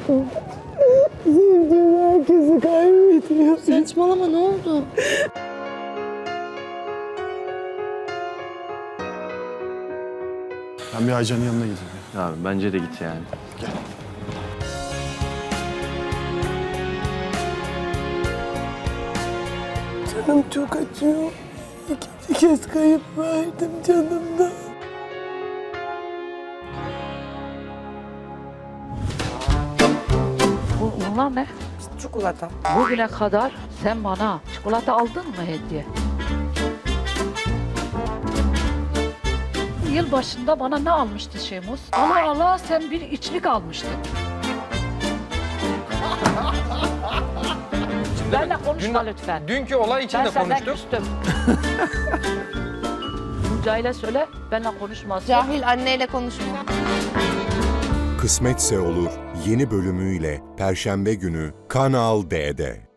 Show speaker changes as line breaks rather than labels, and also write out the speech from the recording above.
Sevdiğim herkesi kaybediyor.
Saçmalama, ne oldu?
Ben bir Aycan'ın yanına gideyim.
Abi bence de git yani.
Canım çok acıyor. İkinci kez kayıp verdim canımdan.
Bunlar ne?
Çikolata.
Bugüne kadar sen bana çikolata aldın mı hediye? Yılbaşında bana ne almıştı Şemus? Allah Allah, sen bir içlik almıştın. Benle konuşma lütfen.
Dünkü olay için
Ben
de
senden
konuştuk.
küstüm. Cahil'e söyle, benle konuşmasın.
Cahil anneyle konuşma.
Kısmetse Olur yeni bölümüyle Perşembe günü Kanal D'de.